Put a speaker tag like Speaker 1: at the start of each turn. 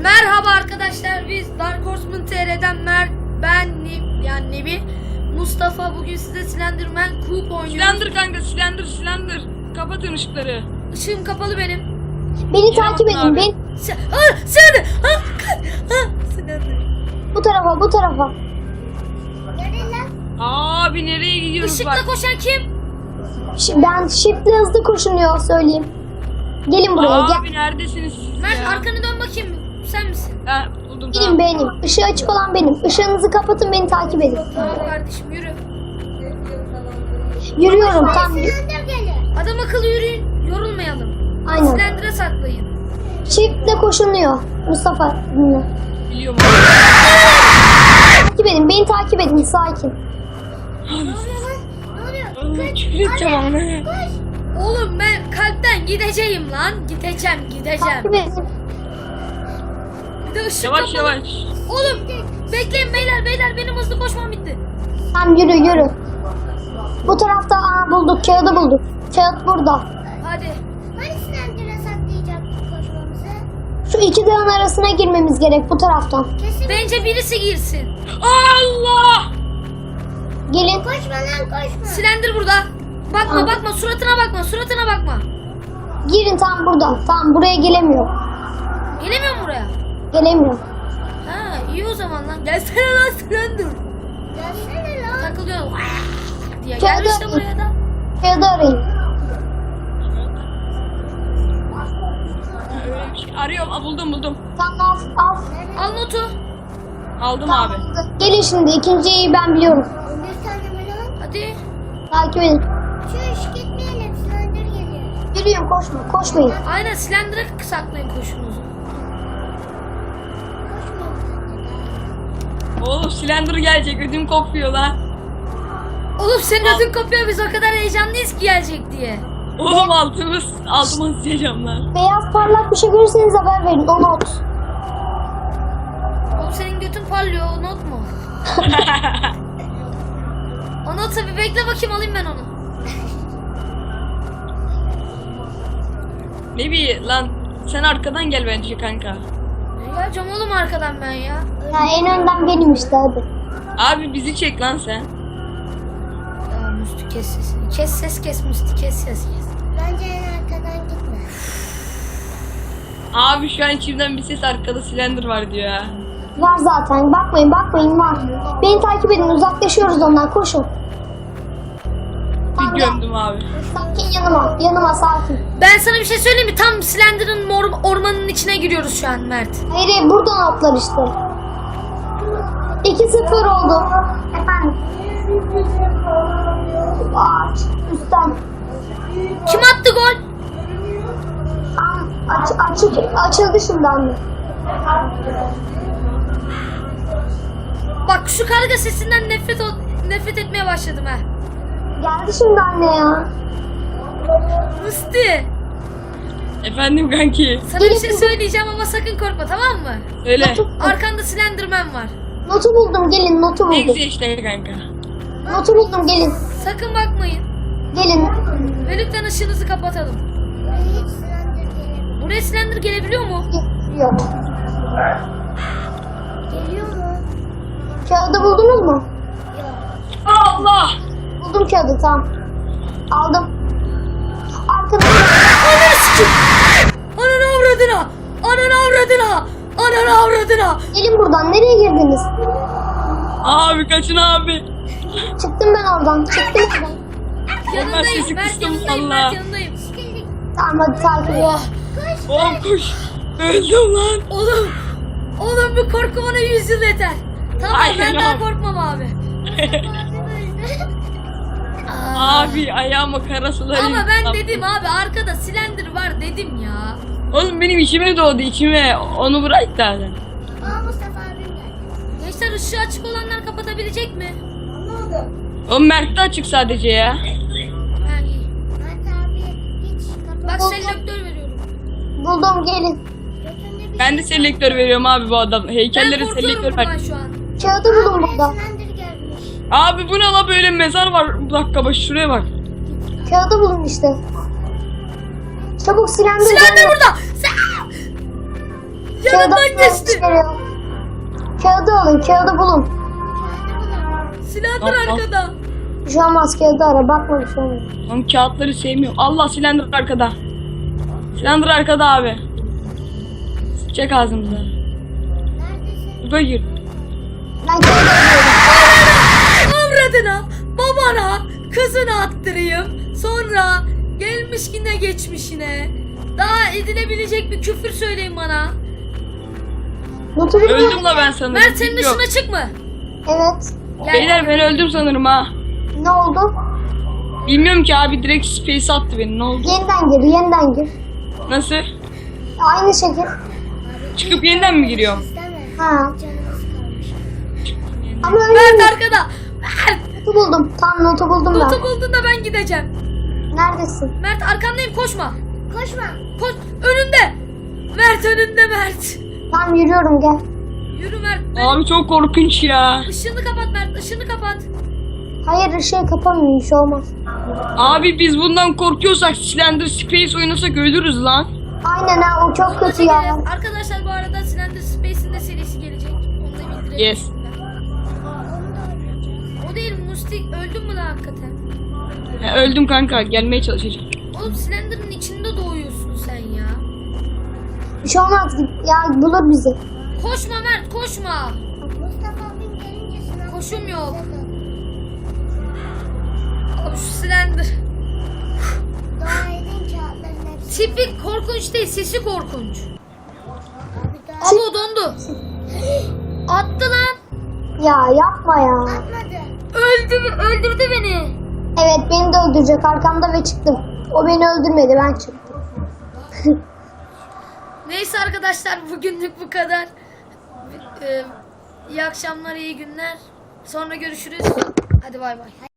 Speaker 1: Merhaba arkadaşlar, biz Dark Horseman TR'den Nebi, Mustafa. Bugün size Slenderman Coop oynuyoruz.
Speaker 2: Slender kanka, Slender. Kapatın ışıkları.
Speaker 1: Işığım kapalı benim.
Speaker 3: Beni takip edin. Ben
Speaker 1: Slender.
Speaker 3: bu tarafa.
Speaker 2: Abi nereye gidiyoruz
Speaker 1: Işıkla
Speaker 2: bak.
Speaker 1: koşan kim?
Speaker 3: Ben shift'le hızlı koşunuyor söyleyeyim. Gelin buraya
Speaker 2: Abi
Speaker 3: gel.
Speaker 2: neredesiniz siz
Speaker 1: Mert,
Speaker 2: ya?
Speaker 1: arkanı dön bakayım. Sen misin?
Speaker 2: Ha, buldum
Speaker 3: Benim benim. Işığı açık olan benim. Işığınızı kapatın, beni takip edin.
Speaker 1: Tamam kardeşim, yürü.
Speaker 3: Yürüyorum tam.
Speaker 1: Adam akıllı yürüyün, yorulmayalım.
Speaker 3: Aynen.
Speaker 1: Slender'a saklayın.
Speaker 3: Shift'le koşunuyor. Mustafa dinle.
Speaker 2: Biliyorum
Speaker 3: Takip edin. Beni takip edin. Sakin.
Speaker 2: abi. Küfür edeceğim ama.
Speaker 1: Oğlum ben kalpten gideceğim lan. Gideceğim.
Speaker 3: Takip edin.
Speaker 1: Bir de ışık
Speaker 2: Yavaş
Speaker 1: kapalı.
Speaker 2: yavaş.
Speaker 1: Oğlum bekleyin beyler, benim hızlı koşmam bitti.
Speaker 3: Tamam yürü. Bu tarafta bulduk. Kağıdı bulduk. Kağıt burada.
Speaker 1: Hadi.
Speaker 4: Hani Slender'a saklayacaktık koşmamızı?
Speaker 3: Şu iki dağın arasına girmemiz gerek bu taraftan.
Speaker 4: Kesin
Speaker 1: Bence birisi girsin.
Speaker 2: Allah!
Speaker 3: Gelin.
Speaker 4: koşma lan koşma.
Speaker 1: Slender burada. Bakma, suratına bakma.
Speaker 3: Girin tam burada. Tamam buraya gelemiyor.
Speaker 1: Gelemiyor mu buraya?
Speaker 3: Gelemiyor.
Speaker 1: Ha, iyi o zaman lan. Gelsene lan Slender.
Speaker 4: Gelsene lan.
Speaker 1: Takılıyor. Diye
Speaker 3: Kağıdı
Speaker 1: gelmiş de
Speaker 3: arayın.
Speaker 1: buraya da.
Speaker 3: Kağıdı arayın.
Speaker 2: Öyle bir şey. Arıyorum. Buldum.
Speaker 3: Tamam al.
Speaker 1: Al notu.
Speaker 2: Aldım abi.
Speaker 3: Gelin şimdi. İkinciyi ben biliyorum.
Speaker 4: 11 tane mi lan?
Speaker 1: Hadi.
Speaker 3: Takip edin.
Speaker 4: Çüş gitmeyelim Slender geliyor.
Speaker 3: Yürüyün koşmayın.
Speaker 1: Aynen, Slender'a saklayın koşunuzu.
Speaker 2: Oğlum Slender gelecek. Ödüm kopuyor lan.
Speaker 1: Oğlum senin ödün kopuyor, biz o kadar heyecanlıyız ki gelecek diye.
Speaker 2: Oğlum altıma sıçacağım lan.
Speaker 3: Beyaz parlak bir şey görürseniz haber verin. O not.
Speaker 1: Oğlum senin götün parlıyor, o not mu? O not tabii, bekle bakayım, alayım ben onu.
Speaker 2: Ne bileyim lan. Sen arkadan gel bence kanka.
Speaker 1: Ne geleceğim oğlum arkadan ben ya?
Speaker 3: Ya en önden benim işte hadi.
Speaker 2: Abi bizi çek lan sen.
Speaker 1: Ya Müslü, kes sesini. Kes Müslü, kes.
Speaker 4: Bence en arkadan gitme.
Speaker 2: Abi şu an içimden bir ses arkada Slender var diyor ya.
Speaker 3: Var zaten. Bakmayın var. Beni takip edin. Uzaklaşıyoruz ondan. Koşun.
Speaker 2: Bir gömdüm abi.
Speaker 3: Sakin yanıma sakin.
Speaker 1: Ben sana bir şey söyleyeyim mi? Tam Slender'ın ormanın içine giriyoruz şu an Mert.
Speaker 3: Hayır buradan atlar işte. 2-0 oldu. Efendim. Ağaç üstten.
Speaker 1: Kim attı gol?
Speaker 3: Açıldı şimdi anne.
Speaker 1: Bak şu karga sesinden nefret etmeye başladım ha.
Speaker 3: Geldi şimdi anne ya.
Speaker 1: Musti,
Speaker 2: Efendim kanki.
Speaker 1: sana bir şey söyleyeceğim ama sakın korkma, tamam mı?
Speaker 2: Öyle.
Speaker 1: Arkanda Slenderman var.
Speaker 3: Notu buldum gelin notu
Speaker 2: Ne
Speaker 3: buldum.
Speaker 2: güzel işte kanka.
Speaker 3: Notu buldum gelin.
Speaker 1: Sakın bakmayın.
Speaker 3: Gelin.
Speaker 1: Ve lütfen ışığınızı kapatalım.
Speaker 4: Hiç Slender gelemiyor.
Speaker 1: Buraya Slender gelebiliyor mu?
Speaker 3: Yok.
Speaker 4: Geliyor mu?
Speaker 3: Kağıdı buldunuz mu?
Speaker 2: Allah!
Speaker 3: Buldum kağıdı tamam. Aldım. Arkada.
Speaker 1: Ananı avradına.
Speaker 3: Gelin buradan. Nereye girdiniz?
Speaker 2: Abi kaçın abi.
Speaker 3: Çıktım ben oradan.
Speaker 1: Yanındayım,
Speaker 2: sesi
Speaker 1: Mert
Speaker 2: kıstım
Speaker 1: yanındayım,
Speaker 2: valla.
Speaker 1: Mert yanındayım.
Speaker 3: Tamam hadi takip edin.
Speaker 1: Oh,
Speaker 2: Oğlum koş. Öldüm lan.
Speaker 1: oğlum bu korku bana 100 yıl yeter. Tamam,
Speaker 2: Aynen
Speaker 1: ben daha
Speaker 2: abi.
Speaker 1: korkmam abi.
Speaker 2: Abi ayağıma kara sular
Speaker 1: Ama ben
Speaker 2: yıktım.
Speaker 1: dedim abi, arkada Slender var dedim ya.
Speaker 2: Oğlum benim içime doğdu içime. Onu bırak da.
Speaker 4: Aa Mustafa abim geldi.
Speaker 1: Gençler, ışığı açık olanlar kapatabilecek mi?
Speaker 2: Oğlum Mert de açık sadece ya.
Speaker 1: Ha, iyi.
Speaker 4: Mert abi hiç kapat.
Speaker 1: Bak selektör veriyorum.
Speaker 3: Buldum gelin.
Speaker 4: Götünde bir
Speaker 2: Ben de selektör veriyorum abi bu adam.
Speaker 1: Ben
Speaker 2: Heykellere
Speaker 1: korkuyorum
Speaker 2: selektör
Speaker 1: bundan
Speaker 2: ver.
Speaker 1: şu an.
Speaker 3: Kağıdı buldum burada.
Speaker 4: Slender gelmiş.
Speaker 2: Abi bu ne la, böyle mezar var. Bir dakika bak şuraya bak.
Speaker 3: Kağıdı buldum işte. Çabuk Slender
Speaker 1: Slender
Speaker 3: geldi.
Speaker 1: burada. Yanından geçti.
Speaker 3: Kağıdı alın, kağıdı bulun.
Speaker 1: Silendir
Speaker 2: Al.
Speaker 1: arkada.
Speaker 3: Bir şey olmaz, kağıdı ara, bakma bir şey olmaz.
Speaker 2: Oğlum kağıtları sevmiyorum. Allah silendir arkada. Silendir arkada abi. Çek ağzımıza.
Speaker 4: Neredesin?
Speaker 2: Burada gir.
Speaker 3: Ben kağıdı alıyorum.
Speaker 1: Avradına, babana, kızını attırayım. Sonra gelmiş yine geçmişine. Daha edilebilecek bir küfür söyleyin bana.
Speaker 3: Notu bilmiyorum.
Speaker 2: Öldüm la ben sanırım.
Speaker 1: Mert senin
Speaker 2: Bilmiyorum.
Speaker 1: dışına çıkma.
Speaker 3: Evet.
Speaker 1: Gel.
Speaker 2: Beyler ben öldüm sanırım ha.
Speaker 3: Ne oldu?
Speaker 2: Bilmiyorum ki abi, direkt space attı beni. Ne oldu?
Speaker 3: Yeniden gir, yeniden gir.
Speaker 2: Nasıl?
Speaker 3: Aynı şekil.
Speaker 2: Çıkıp yeniden mi giriyorum?
Speaker 4: İsteme.
Speaker 3: Ha.
Speaker 4: Canımız kalmış.
Speaker 3: Ama öyle
Speaker 1: Mert arkada. Mert.
Speaker 3: notu buldum. Tam notu buldum
Speaker 1: Notu
Speaker 3: ben.
Speaker 1: bulduğunda ben gideceğim.
Speaker 3: Neredesin?
Speaker 1: Mert arkandayım, koşma.
Speaker 4: Koşma.
Speaker 1: Koş önünde. Mert önünde Mert.
Speaker 3: Tamam yürüyorum, gel.
Speaker 1: Yürü Mert.
Speaker 2: Abi çok korkunç ya.
Speaker 1: Işığını kapat Mert, ışığını kapat.
Speaker 3: Hayır, ışığı kapamıyorum, bir şey olmaz.
Speaker 2: Abi biz bundan korkuyorsak Slender Space oynasak ölürüz lan.
Speaker 3: Aynen ha, o çok kötü ya.
Speaker 1: Çekeriz. Arkadaşlar bu arada Slender Space'in de serisi gelecek. Onu da bildirelim.
Speaker 2: Yes.
Speaker 1: O değil, Musti öldün mü lan hakikaten?
Speaker 2: Ya, öldüm kanka, gelmeye çalışacağım.
Speaker 1: Oğlum Slender'ın içinde doğuyorsun sen ya.
Speaker 3: Bir şey olmaz, ya bulur bizi.
Speaker 1: Koşma Mert, koşma.
Speaker 4: Mustafa abim gelince sınav.
Speaker 1: Koşum yok. Abi şu Slender.
Speaker 4: Dua edin kağıtların hepsi.
Speaker 1: Tipi korkunç değil, sesi korkunç.
Speaker 4: Abi daha
Speaker 1: Abo dondu. Attı lan.
Speaker 3: Ya yapma ya.
Speaker 4: atmadı.
Speaker 1: Öldürdü beni.
Speaker 3: Evet, beni de öldürecek arkamda ve çıktım. O beni öldürmedi, ben çıktım.
Speaker 1: Neyse arkadaşlar, bugünlük bu kadar. İyi akşamlar, iyi günler. Sonra görüşürüz. Hadi bay bay.